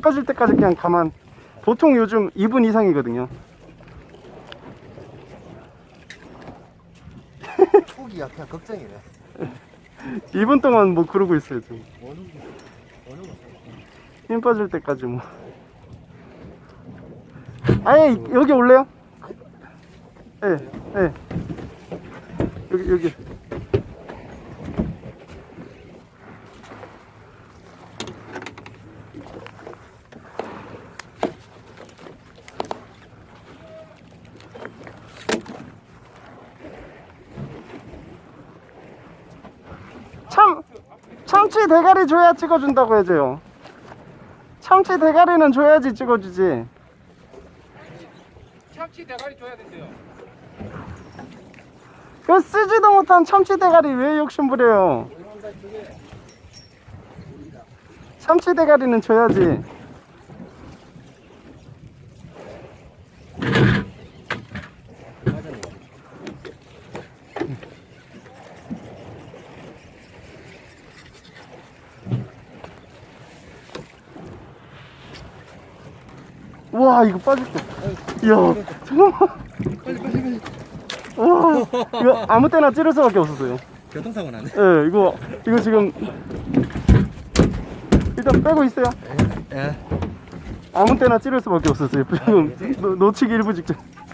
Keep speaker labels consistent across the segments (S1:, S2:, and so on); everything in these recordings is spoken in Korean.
S1: 꺼질 때까지 그냥 가만. 보통 요즘 2분 이상이거든요.
S2: 초기야 그냥 걱정이네.
S1: 2분 동안 뭐 그러고 있어요 지금. 힘 빠질 때까지 뭐. 아예 여기 올래요? 예, 예. 여기. 참치 대가리 줘야 찍어준다고 해줘요. 참치 대가리는 줘야지 찍어주지.
S3: 참치 대가리 줘야 된대요.
S1: 그 쓰지도 못한 참치 대가리 왜 욕심부려요? 참치 대가리는 줘야지. 와 이거 빠질 때. 이야 잠깐만.
S2: 빨리.
S1: 와 이거 아무 때나 찌를 수밖에 없었어요.
S2: 교통사고 나네.
S1: 예, 이거 지금 일단 빼고 있어요.
S2: 예.
S1: 아무 때나 찌를 수밖에 없었어요. 지금 놓치기 일부 직전.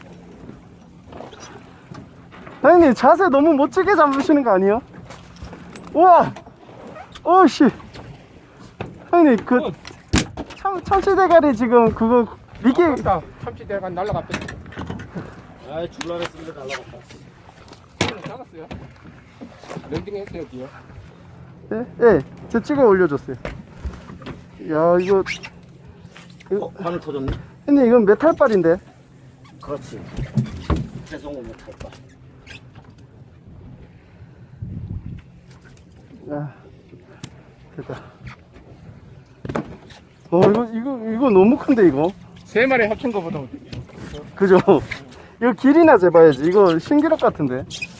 S1: 사장님 자세 너무 멋지게 잡으시는 거 아니에요? 우와, 오씨. 사장님 그 참치 대가리 지금 그거 미끼.
S3: 참치 대가리 날라갔대.
S2: 아 줄라랬습니다 날라갔다.
S3: 작았어요. 랜딩 했어요 뒤에.
S1: 예, 제 찍어 올려줬어요. 야 이거
S2: 바늘 터졌네.
S1: 근데 이건 메탈발인데.
S2: 그렇지. 죄송은 못할 거.
S1: 야, 됐다. 이거 너무 큰데 이거.
S3: 세 마리 합친 거보다
S1: 그죠? 이거 길이나 재봐야지. 이거 신기록 같은데.